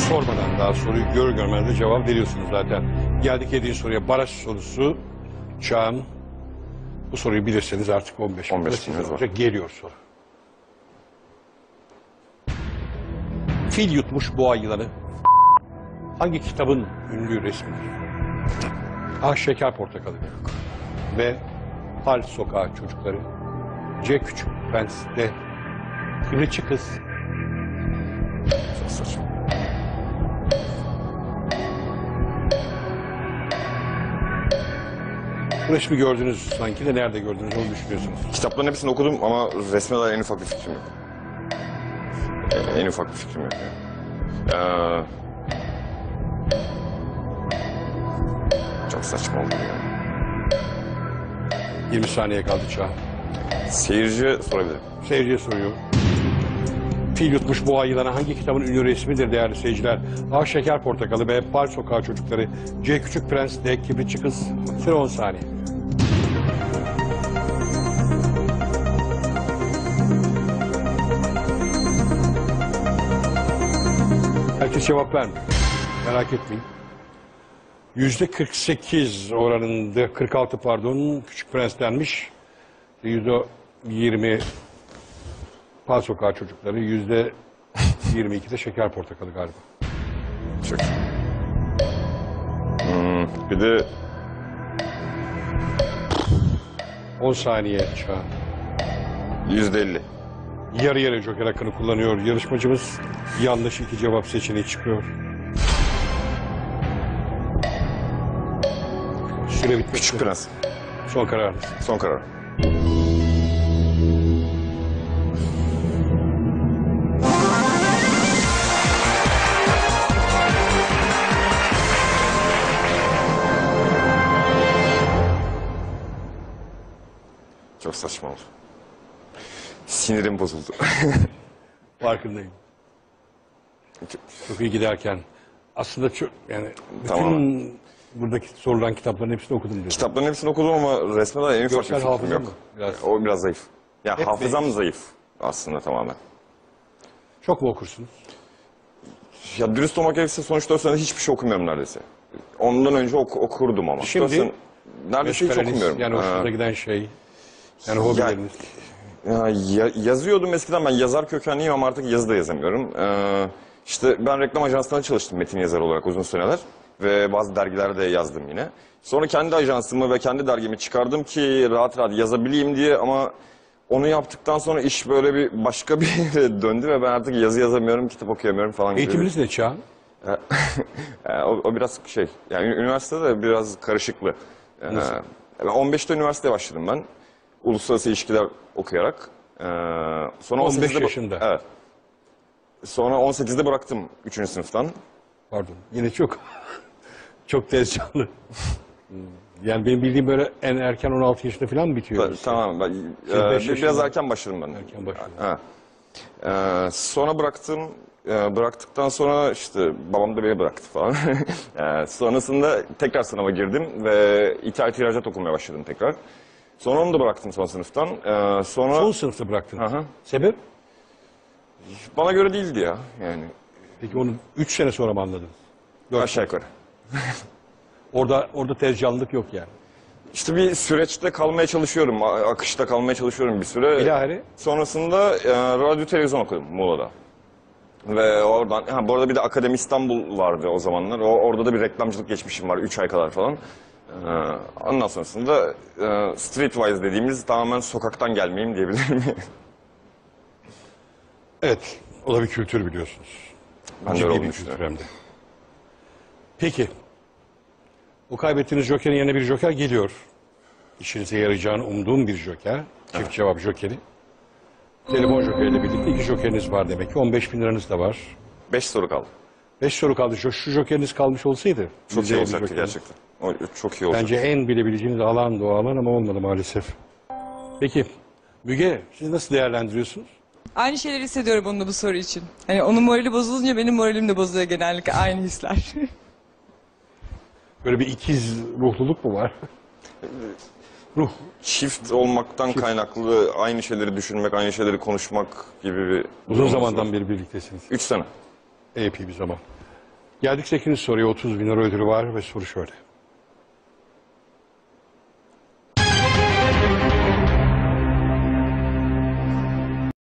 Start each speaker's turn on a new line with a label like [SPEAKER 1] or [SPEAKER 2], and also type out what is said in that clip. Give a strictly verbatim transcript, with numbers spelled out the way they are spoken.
[SPEAKER 1] Sormadan daha soruyu gör görmez de cevap veriyorsunuz zaten. Geldik yediğin soruya, baraj sorusu. Çağan, bu soruyu bilirseniz artık on beş
[SPEAKER 2] on beş binimiz var.
[SPEAKER 1] Geliyor soru. Fil yutmuş boğa yılanı hangi kitabın ünlü resmidir? A. Şeker Portakalı ve Pal Sokağı Çocukları, C. Küçük Prens, D. Kıbrıççı Kız.
[SPEAKER 2] Çok saçma.
[SPEAKER 1] Bu resmi gördünüz sanki de nerede gördünüz onu düşünüyorsunuz.
[SPEAKER 2] Kitapların hepsini okudum ama resme dair en ufak bir fikrim yok. En ufak bir fikrim yok. Ee, çok saçma oldu ya.
[SPEAKER 1] yirmi saniye kaldı Çağan.
[SPEAKER 2] Seyirci sorabilirim.
[SPEAKER 1] Seyirciye soruyor. Fil yutmuş boğa yılanı hangi kitabın ünlü resmidir değerli seyirciler? A. Şeker Portakalı, B. Pal Sokağı Çocukları, C. Küçük Prens, D. Kibritçi Kız. Süre on saniye. Herkes cevap vermiyor. Merak etmeyin. Yüzde kırk sekiz oranında, kırk altı pardon, Küçük Prens denmiş. Yüzde yirmi Pal Sokağı Çocukları, yüzde yirmi iki de Şeker Portakalı galiba.
[SPEAKER 2] Çok. Hmm, bir de
[SPEAKER 1] on saniye Çağan.
[SPEAKER 2] yüzde elli.
[SPEAKER 1] Yarı yarı joker hakkını kullanıyor. Yarışmacımız yanlış iki cevap seçeneği çıkıyor. Süre bitmek
[SPEAKER 2] Küçük
[SPEAKER 1] üzere.
[SPEAKER 2] Prens.
[SPEAKER 1] Son kararınız.
[SPEAKER 2] Son karar. Çok saçma oldu. Sinirim bozuldu.
[SPEAKER 1] Farkındayım. Çok iyi giderken. Aslında çok yani bütün
[SPEAKER 2] Tamam.
[SPEAKER 1] buradaki sorulan kitapların hepsini okudum diyorsun.
[SPEAKER 2] Kitapların hepsini okudum ama resme dair en ufak bir
[SPEAKER 1] Görsel
[SPEAKER 2] fikrim
[SPEAKER 1] hafıza
[SPEAKER 2] yok.
[SPEAKER 1] mı? Biraz.
[SPEAKER 2] O biraz zayıf. Ya
[SPEAKER 1] Hep
[SPEAKER 2] hafızam
[SPEAKER 1] zayıf.
[SPEAKER 2] zayıf aslında tamamen.
[SPEAKER 1] Çok mu okursunuz?
[SPEAKER 2] Ya dürüst olmak gerekirse son üç dört senedir hiçbir şey okumuyorum neredeyse. Ondan önce ok okurdum ama.
[SPEAKER 1] Şimdi
[SPEAKER 2] Dört sene- neredeyse hiç
[SPEAKER 1] Meşgaleniz,
[SPEAKER 2] okumuyorum.
[SPEAKER 1] yani hoşunuza
[SPEAKER 2] Ee,
[SPEAKER 1] giden şey. Yani hobileriniz.
[SPEAKER 2] Ya, ya- yazıyordum eskiden, ben yazar kökenliyim ama artık yazı da yazamıyorum. Ee, işte ben reklam ajanslarında çalıştım metin yazarı olarak uzun süreler ve bazı dergilerde yazdım yine. Sonra kendi ajansımı ve kendi dergimi çıkardım ki rahat rahat yazabileyim diye ama onu yaptıktan sonra iş böyle bir başka bir yere döndü ve ben artık yazı yazamıyorum, kitap okuyamıyorum falan gibi.
[SPEAKER 1] Eğitiminiz ne Çağan?
[SPEAKER 2] Ee, o, o biraz şey, yani ü- üniversitede de biraz karışıklı. Ee, ben on beşte üniversiteye başladım ben. Uluslararası ilişkiler okuyarak. Ee, sonra
[SPEAKER 1] on beş
[SPEAKER 2] on sekizde
[SPEAKER 1] yaşında.
[SPEAKER 2] Evet. Sonra on sekizde bıraktım üçüncü sınıftan.
[SPEAKER 1] Pardon. Yine çok çok tez canlı. Yani benim bildiğim böyle en erken on altı yaşında falan mı bitiyor?
[SPEAKER 2] Ben-
[SPEAKER 1] lise?
[SPEAKER 2] tamam, ben,
[SPEAKER 1] Siz
[SPEAKER 2] e,
[SPEAKER 1] beş
[SPEAKER 2] bir- biraz
[SPEAKER 1] yaşında-
[SPEAKER 2] erken başladım ben.
[SPEAKER 1] Erken başladın.
[SPEAKER 2] Ha. Ee, sonra bıraktım. Ee, bıraktıktan sonra işte babam da beni bıraktı falan. Ee, sonrasında tekrar sınava girdim ve ithalat ihracat okumaya başladım tekrar. Sonra onu da bıraktım son sınıftan. Ee, sonra
[SPEAKER 1] Son sınıfta bıraktın.
[SPEAKER 2] Hı hı.
[SPEAKER 1] Sebep?
[SPEAKER 2] bana göre değildi ya yani
[SPEAKER 1] Peki onu üç sene sonra mı anladın? Dört.
[SPEAKER 2] aşağı yukarı.
[SPEAKER 1] Orada orada tez canlılık yok yani.
[SPEAKER 2] İşte bir süreçte kalmaya çalışıyorum, a- akışta kalmaya çalışıyorum bir süre.
[SPEAKER 1] Bilahare
[SPEAKER 2] Sonrasında e, radyo televizyon okudum Muğla'da. Ve oradan, ha, bu arada bir de Akademi İstanbul vardı o zamanlar. O, orada da bir reklamcılık geçmişim var, üç ay kadar falan. Ee, ondan sonrasında e, streetwise dediğimiz tamamen sokaktan gelmeyeyim diyebilirim.
[SPEAKER 1] evet. O da bir kültür biliyorsunuz.
[SPEAKER 2] Ben de
[SPEAKER 1] Ciddi
[SPEAKER 2] öyle
[SPEAKER 1] bir
[SPEAKER 2] olduğunu
[SPEAKER 1] kültür
[SPEAKER 2] düşünüyorum.
[SPEAKER 1] hem de. Peki. O kaybettiğiniz jokerin yerine bir joker geliyor. İşinize yarayacağını umduğum bir joker. Çift cevap jokeri. Telefon jokeriyle birlikte iki jokeriniz var demek ki. on beş bin liranız da var.
[SPEAKER 2] Beş soru kaldı.
[SPEAKER 1] Beş soru kaldı. Şu, şu jokeriniz kalmış olsaydı.
[SPEAKER 2] Çok iyi
[SPEAKER 1] bileceği bir
[SPEAKER 2] olacaktı
[SPEAKER 1] jokeriniz.
[SPEAKER 2] gerçekten. O, çok iyi olacaktı.
[SPEAKER 1] Bence en bilebileceğiniz alan da o alan ama olmadı maalesef. Peki Müge siz nasıl değerlendiriyorsunuz?
[SPEAKER 3] Aynı şeyleri hissediyorum onunla bu soru için. Hani onun morali bozulunca benim moralim de bozuluyor genellikle aynı hisler.
[SPEAKER 1] Böyle bir ikiz ruhluluk mu var? Ruh.
[SPEAKER 2] Çift olmaktan kaynaklı aynı şeyleri düşünmek, aynı şeyleri konuşmak gibi bir...
[SPEAKER 1] Uzun zamandan beri birliktesiniz.
[SPEAKER 2] Üç sene.
[SPEAKER 1] Epey bir zaman. Geldik sekizinci soruya. otuz bin lira ödülü var ve soru şöyle.